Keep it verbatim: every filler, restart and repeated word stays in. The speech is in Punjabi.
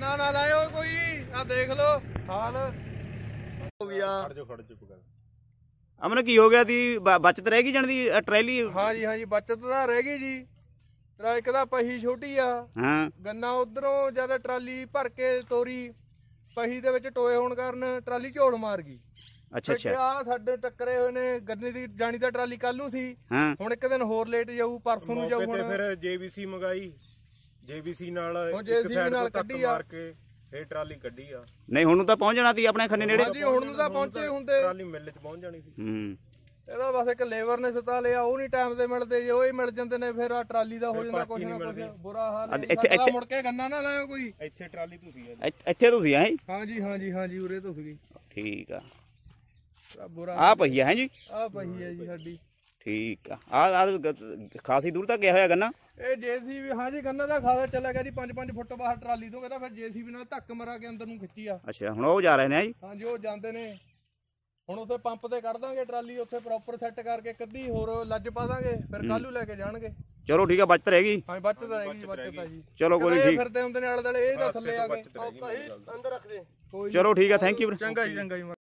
ਗੰਨਾ ਨਾ ਲਾਇਓ ਕੋਈ ਆ ਦੇਖ ਲਓ ਹਾਲ ਹੋ ਗਿਆ। ਖੜ ਜਾ ਖੜ ਚੁੱਪ ਕਰ। ਅਮਨ ਕੀ ਹੋ ਗਿਆ ਦੀ ਬਚਤ ਰਹਿ ਗਈ ਜਾਣ ਦੀ ਟਰੈਲੀ? ਹਾਂ ਜੀ ਹਾਂ ਜੀ ਬਚਤ ਤਾਂ ਰਹਿ ਗਈ ਜੀ। ਟਰੱਕ ਦਾ ਪਹੀ ਛੋਟੀ ਆ। ਹਾਂ ਗੰਨਾ ਉਧਰੋਂ ਜਦ ਟਰਾਲੀ ਭਰ ਕੇ ਤੋਰੀ ਪਹੀ ਦੇ ਵਿੱਚ ਟੋਏ ਹੋਣ ਕਾਰਨ ਟਰਾਲੀ ਝੋੜ ਮਾਰ ਗਈ। ਅੱਛਾ ਅੱਛਾ। ਆ ਸਾਡੇ ਟੱਕਰੇ ਹੋਏ ਨੇ ਗੰਨੇ ਦੀ ਜਾਣੀ ਤਾਂ ਟਰਾਲੀ ਕੱਲ ਨੂੰ ਸੀ। ਹਾਂ ਹੁਣ ਇੱਕ ਦਿਨ ਹੋਰ ਲੇਟ ਜਾਊ ਪਰਸੋਂ ਨੂੰ ਜਾਊ। ਮੌਕੇ ਤੇ ਹੁਣ ਫਿਰ ਜੇਬੀਸੀ ਮੰਗਾਈ, ਜੇਬੀਸੀ ਨਾਲ ਉਹ ਇੱਕ JCB ਸਾਈਡ ਨਾਲ ਤੋਂ ਧੱਕ ਕੱਢੀ ਆ। ਮਾਰ ਕੇ ਫੇਰ ਟਰਾਲੀ ਕੱਢੀ ਆ। ਨਹੀਂ ਹੁਣ ਨੂੰ ਤਾਂ ਪਹੁੰਚ ਜਾਣਾ ਸੀ ਆਪਣੇ ਖੰਨੇ ਨੇੜੇ। ਹਾਂਜੀ ਹੁਣ ਨੂੰ ਤਾਂ ਪਹੁੰਚੇ ਹੁੰਦੇ। ਟਰਾਲੀ ਮਿੱਲ 'ਚ ਪਹੁੰਚ ਜਾਣੀ ਸੀ। ਹੂੰ ਇਹਦਾ ਬਸ ਇੱਕ ਲੇਬਰ ਨੇ ਸਤਾ ਲਿਆ, ਉਹ ਨਹੀਂ ਟਾਈਮ ਤੇ ਮਿਲਦੇ ਜੇ ਉਹ ਹੀ ਮਿਲ ਜਾਂਦੇ ਨੇ ਫਿਰ ਆ ਟਰਾਲੀ ਦਾ ਹੋ ਜਾਂਦਾ ਕੁਛ ਨਾ ਕੁਛ ਬੁਰਾ ਹਾਲ। ਇੱਥੇ ਇੱਥੇ ਮੁੜ ਕੇ ਗੰਨਾ ਨਾ ਲਾਇਓ ਕੋਈ। ਇੱਥੇ ਟਰਾਲੀ ਤੁਸੀਂ ਆ। ਇੱਥੇ- ਇੱਥੇ ਤੁਸੀਂ ਆਏ? ਹਾਂਜੀ ਹਾਂਜੀ ਹਾਂਜੀ ਉਰੇ ਤੋਂ ਸੀਗੀ। ਠੀਕ ਆ। ਬੁਰਾ ਆ ਪਈ ਹੈ ਜੀ? ਆ ਪਈ ਹੈ ਜੀ ਸਾਡੀ। ਠੀਕ ਆ। ਆ ਆ ਖਾਸੀ ਦੂਰ ਤੱਕ ਗਿਆ ਹੋਇਆ ਗੰਨਾ? ਇਹ ਜੇਸੀਬੀ ਹਾਂਜੀ ਗੰਨਾ ਦਾ ਖਾਦਾ ਚੱਲਿਆ ਗਿਆ ਜੀ ਪੰਜ ਪੰਜ ਫੁੱਟ ਬਾਹਰ ਟਰਾਲੀ ਤੋਂ। ਕਹਿੰਦਾ ਫਿਰ ਜੇਸੀਬੀ ਨਾਲ ਧੱਕ ਮਰਾ ਕੇ ਅੰਦਰ ਨੂੰ ਖਿੱਚੀ ਆ। ਅੱਛਾ ਹੁਣ ਉਹ ਜਾ ਰਹੇ ਨੇ ਜੀ? ਹਾਂਜੀ ਉਹ ਜਾਂਦੇ ਨੇ। ਹੁਣ ਉੱਥੇ ਪੰਪ ਤੇ ਕੱਢ ਦਾਂਗੇ ਟਰਾਲੀ, ਉੱਥੇ ਪ੍ਰੋਪਰ ਸੈੱਟ ਕਰਕੇ ਕੱਢੀ ਹੋਰ ਲੱਜ ਪਾ ਦਾਂਗੇ ਫਿਰ ਕੱਲੂ ਲੈ ਕੇ ਜਾਣਗੇ। ਚਲੋ ਠੀਕ ਆ। ਬਚਤ ਰਹਿ ਗਈ? ਹਾਂ ਬਚਤ ਰਹਿ ਗਈ ਬਚਤ ਆ ਜੀ। ਚਲੋ ਕੋਈ ਨਹੀਂ ਠੀਕ। ਫਿਰਦੇ ਹੁੰਦੇ ਨੇ ਆਲੇ ਦੁਆਲੇ ਇਹ ਤਾਂ ਥੱਲੇ ਆ ਗਏ ਅੰਦਰ ਰੱਖ ਦੇ। ਚਲੋ ਠੀਕ ਆ। Thank you. ਚੰਗਾ ਜੀ ਚੰਗਾ ਜੀ।